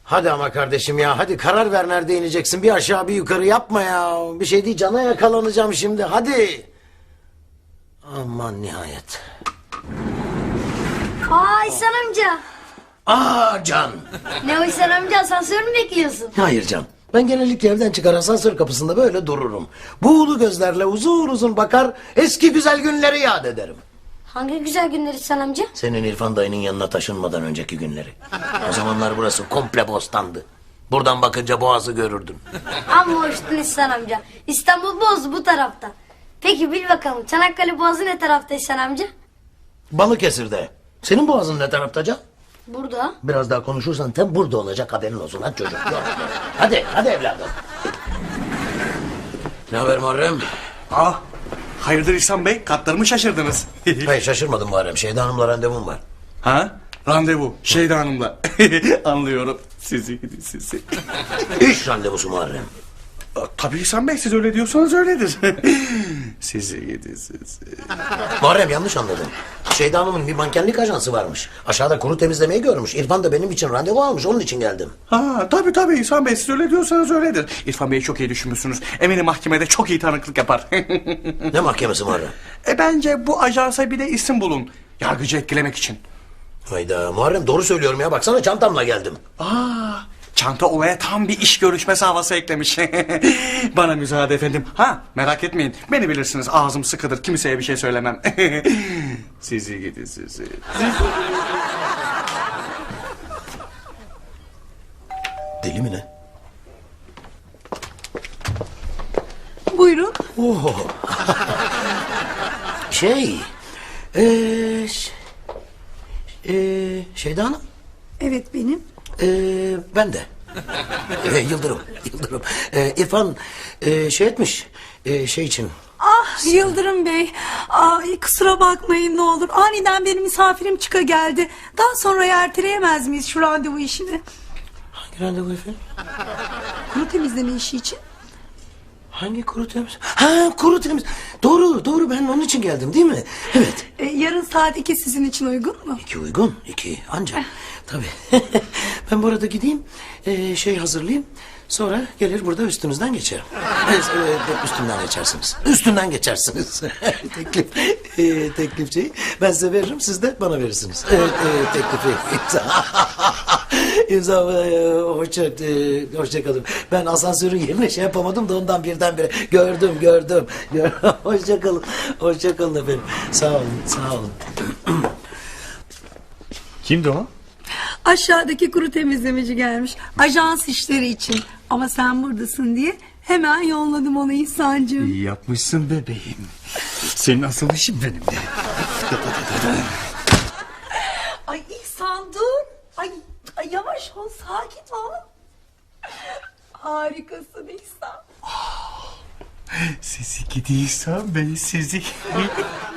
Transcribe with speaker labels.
Speaker 1: Hadi ama kardeşim ya, hadi karar ver, nerede ineceksin? Bir aşağı bir yukarı yapma ya. Bir şey değil, cana yakalanacağım şimdi, hadi. Aman nihayet.
Speaker 2: Aa İhsan amca.
Speaker 1: Aa Can.
Speaker 2: Ne o İhsan amca, asansör mü bekliyorsun?
Speaker 1: Hayır Can. Ben genellikle evden çıkar asansör kapısında böyle dururum. Buğulu gözlerle uzun uzun bakar, eski güzel günleri yad ederim.
Speaker 2: Hangi güzel günler İhsan amca?
Speaker 1: Senin İrfan dayının yanına taşınmadan önceki günleri. O zamanlar burası komple bostandı. Buradan bakınca boğazı görürdün.
Speaker 2: Amma hoştun İhsan amca. İstanbul Boğazı bu tarafta. Peki bil bakalım, Çanakkale Boğazı ne tarafta İhsan amca?
Speaker 1: Balıkesir'de. Senin boğazın ne tarafta Can?
Speaker 2: Burada.
Speaker 1: Biraz daha konuşursan tam burada olacak, haberin olsun. Hadi çocuk. Hadi, hadi evladım. Ne haber Muharrem?
Speaker 3: Ah, hayırdır İhsan Bey? Katlarımı şaşırdınız.
Speaker 1: Hayır şaşırmadım Muharrem. Şeyda Hanım'la randevum var.
Speaker 3: Ha? Randevu. Şeyda Hanım'la. Anlıyorum. Sizi gidi sizi.
Speaker 1: İş randevusu Muharrem.
Speaker 3: Tabii İhsan Bey, siz öyle diyorsanız öyledir. Sizi gidi sizi.
Speaker 1: Muharrem yanlış anladın. Şeyda Hanım'ın bir mankenlik ajansı varmış. Aşağıda kuru temizlemeyi görmüş. İrfan da benim için randevu almış. Onun için geldim.
Speaker 3: Ha, tabii İhsan Bey, siz öyle diyorsanız öyledir. İrfan Bey'i çok iyi düşünmüşsünüz. Eminim mahkemede çok iyi tanıklık yapar.
Speaker 1: Ne mahkemesi Muharrem?
Speaker 3: Bence bu ajansa bir de isim bulun. Yargıcı etkilemek için.
Speaker 1: Hayda Muharrem, doğru söylüyorum ya. Baksana çantamla geldim.
Speaker 3: Çanta olaya tam bir iş görüşmesi havası eklemiş. Bana müsaade efendim. Ha, merak etmeyin. Beni bilirsiniz, ağzım sıkıdır. Kimseye bir şey söylemem. Sizi gidi sizi.
Speaker 1: Deli mi ne?
Speaker 4: Buyurun.
Speaker 1: Oho. Şey... Şeyda Hanım.
Speaker 4: Evet benim.
Speaker 1: Ben de. Yıldırım. İrfan şey etmiş. Şey için.
Speaker 4: Ah Yıldırım Bey. Ay, kusura bakmayın ne olur. Aniden benim misafirim çıka geldi. Daha sonra erteleyemez miyiz şu randevu işini?
Speaker 1: Hangi randevu efendim?
Speaker 4: Kuru temizleme işi için.
Speaker 1: Hangi kuru temiz? Ha, kuru temiz. Doğru, ben onun için geldim değil mi? Evet.
Speaker 4: Yarın saat 2 sizin için uygun mu?
Speaker 1: 2 uygun. 2 ancak. Tabii. Ben bu arada gideyim. Şey hazırlayayım. Sonra gelir burada üstünüzden geçerim. Üstünden geçersiniz. Teklif şeyi. Ben size veririm, siz de bana verirsiniz. Teklifi. İmza. Hoşça kalın. Ben asansörün yerine şey yapamadım da ondan birdenbire gördüm. Hoşça kalın efendim. Sağ olun.
Speaker 3: Kimdi o?
Speaker 4: Aşağıdaki kuru temizlemeci gelmiş. Ajans işleri için. Ama sen buradasın diye hemen yolladım onu İhsan'cığım.
Speaker 3: İyi yapmışsın bebeğim. Senin asıl işin benim de.
Speaker 4: Ay İhsan dur. Ay yavaş ol, sakin ol. Harikasın İhsan.
Speaker 3: Sizi gidi İhsan Bey, sizi.